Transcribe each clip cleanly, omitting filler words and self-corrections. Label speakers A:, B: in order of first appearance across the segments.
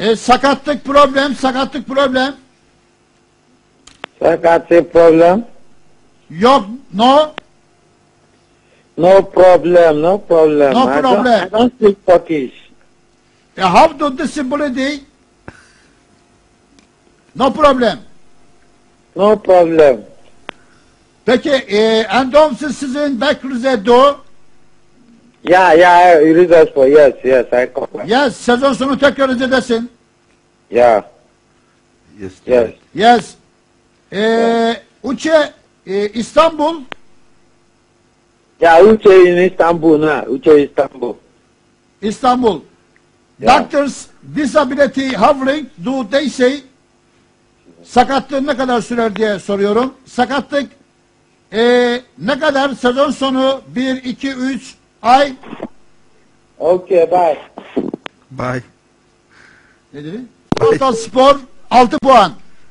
A: Sakatlık problem, sakatlık problem.
B: Sakatlık problem.
A: Yok, no.
B: No problem, no problem.
A: No problem.
B: I don't speak Turkish.
A: How to disability? No problem.
B: No problem.
A: Peki, endomsiz sizin Bekrize do?
B: Yeah, Rizespor, yes, I confirm.
A: Yes, sezon sonu tekrar Rize'desin.
B: Yeah. Yes.
A: Yes. Uçe, İstanbul.
B: Yeah, Uche in Istanbul now. Uche Istanbul.
A: İstanbul.
B: Yeah.
A: Doctors disability having do they say? Sakatlık ne kadar sürer diye soruyorum. Sakatlık ne kadar sezon sonu 1, 2, 3 ay?
B: Okay, bye.
C: Bye.
A: Ne dedi? Total Spor 6 puan.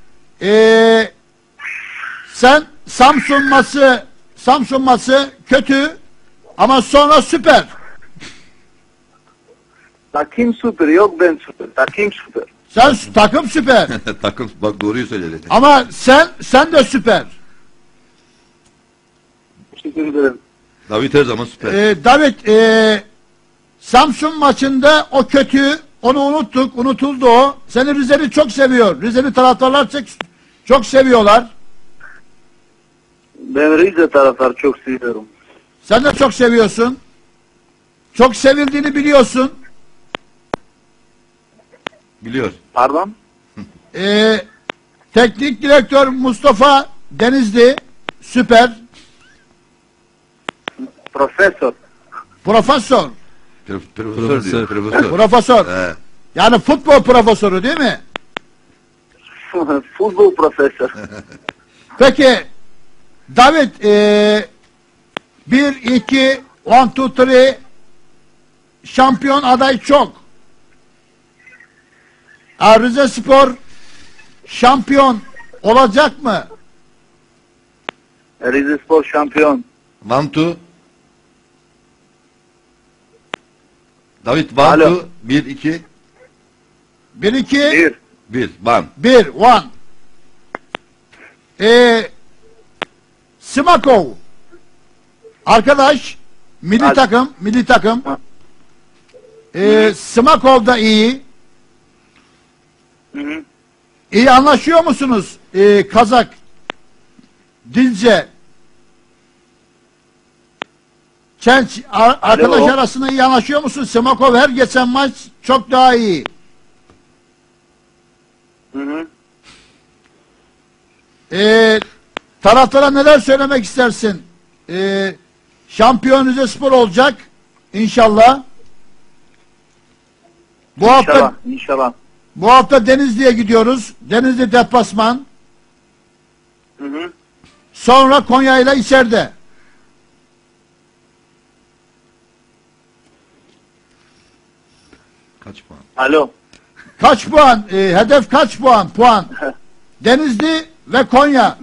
A: Sen Samsun maçı kötü ama sonra süper.
D: Takım süper, yok ben süper. Takım süper.
A: Sen takım süper.
C: Takım bak doğruyu söyledi.
A: Ama sen de süper.
D: Teşekkür ederim.
C: David her zaman süper.
A: David, Samsun maçında o kötü, onu unuttuk, unutuldu o. Seni Rizeli çok seviyor. Rizeli taraftarlar çok seviyorlar.
D: Ben Rize taraftarı çok seviyorum.
A: Sen de çok seviyorsun. Çok sevildiğini biliyorsun.
C: Biliyor.
D: Pardon?
A: Teknik direktör Mustafa Denizli, süper.
D: Profesör.
A: Profesör.
C: Profesör diyor. Profesör.
A: Profesör.
C: He.
A: Yani futbol profesörü değil mi?
D: Futbol profesör.
A: Peki David, 1, 2, 1, 2, 3 şampiyon aday çok. Rizespor şampiyon olacak mı?
D: Rizespor şampiyon.
C: Vantu. David
D: Alo.
C: Vantu 1 2
A: 1, 2,
D: 1.
C: 1 Van.
A: 1, 1. Smakov arkadaş milli takım. Smakov da iyi.
D: Hı.
A: İyi anlaşıyor musunuz? Kazak Dilce Çenç arkadaş arasında iyi anlaşıyor musun? Smakov her geçen maç çok daha iyi.
D: Hı.
A: Taraftara neler söylemek istersin? Şampiyon Rizespor olacak inşallah.
D: İnşallah.
A: Bu hafta Denizli'ye gidiyoruz. Denizli deplasman.
D: Hı.
A: Sonra Konya ile içeride.
C: Kaç puan?
D: Alo.
A: Kaç puan? Hedef kaç puan? Denizli ve Konya.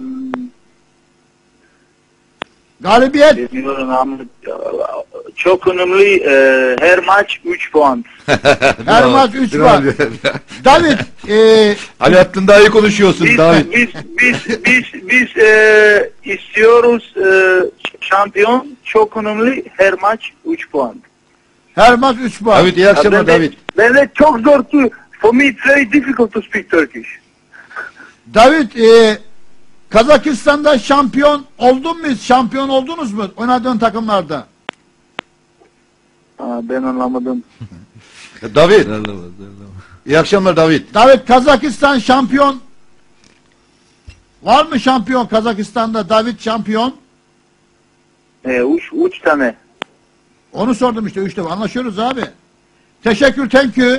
A: Galibiyet.
D: Bilmiyorum ama çok önemli. Her maç 3 puan.
A: Her maç 3 puan. David,
C: Alaaddin daha iyi konuşuyorsun David.
D: Biz istiyoruz şampiyon, çok önemli. Her maç 3 puan.
A: her maç 3 puan.
C: David iyi akşamlar David.
D: Ben de çok zor to, for me it's very difficult to speak Turkish.
A: David, Kazakistan'da şampiyon oldun mu? Şampiyon oldunuz mu? Oynadığın takımlarda.
D: Ben anlamadım.
C: David. İyi akşamlar David.
A: David, Kazakistan şampiyon. Var mı şampiyon Kazakistan'da? David şampiyon.
D: 3 tane.
A: Onu sordum işte 3 defa. Anlaşıyoruz abi. Teşekkür, thank you.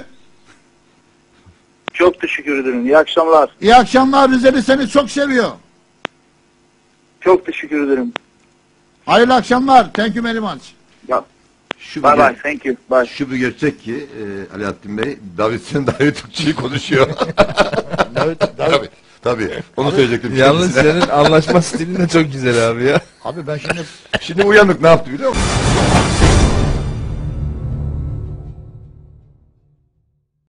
D: Çok teşekkür ederim. İyi akşamlar.
A: İyi akşamlar. Rizeli seni çok seviyor.
D: Çok teşekkür ederim.
A: Hayırlı akşamlar. Thank you very much.
C: Bye
D: Bye. Thank you. Bye.
C: Şu bir gerçek ki Alaaddin Bey, David sen daha iyi Türkçeyi konuşuyor. Tabii. Onu söyleyecektim.
E: Yalnız senin anlaşma stilin de çok güzel abi ya.
A: Abi ben şimdi
C: Şimdi uyanık ne yaptı biliyor musun?